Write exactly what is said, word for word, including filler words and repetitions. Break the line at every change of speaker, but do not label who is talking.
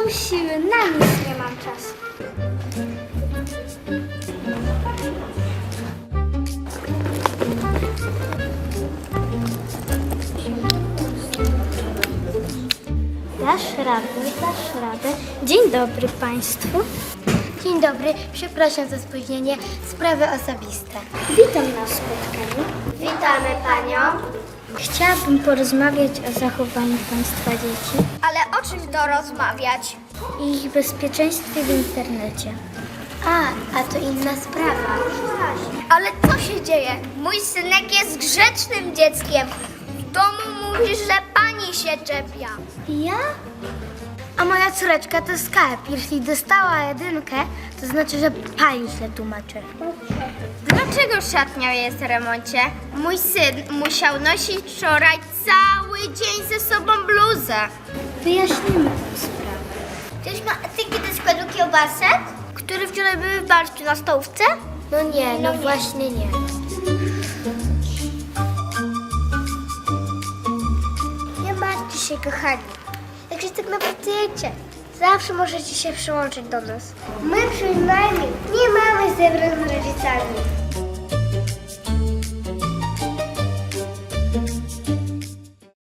są siły, na nic nie mam czasu. Dasz radę, dasz radę. Dzień dobry Państwu.
Dzień dobry, przepraszam za spóźnienie. Sprawy osobiste.
Witam na spotkaniu.
Witamy Panią.
Chciałabym porozmawiać o zachowaniu Państwa dzieci
Ale o czym to rozmawiać?
i ich bezpieczeństwie w internecie.
A, a to inna sprawa. Ale co się dzieje? Mój synek jest grzecznym dzieckiem. W domu mówi, że pani się czepia.
Ja?
A moja córeczka to skarb. Jeśli dostała jedynkę, to znaczy, że pani źle tłumaczy. Dlaczego szatnia jest w remoncie? Mój syn musiał nosić wczoraj cały dzień ze sobą bluzę.
Wyjaśnimy tę sprawę.
Ktoś ma etyki do składu kiełbasek? Które wczoraj były w barszczu na stołówce? No nie, no, no właśnie nie. Nie martwcie się, kochani. Jak się tak napracujecie, zawsze możecie się przyłączyć do nas. My przynajmniej nie mamy zebrań z rodzicami.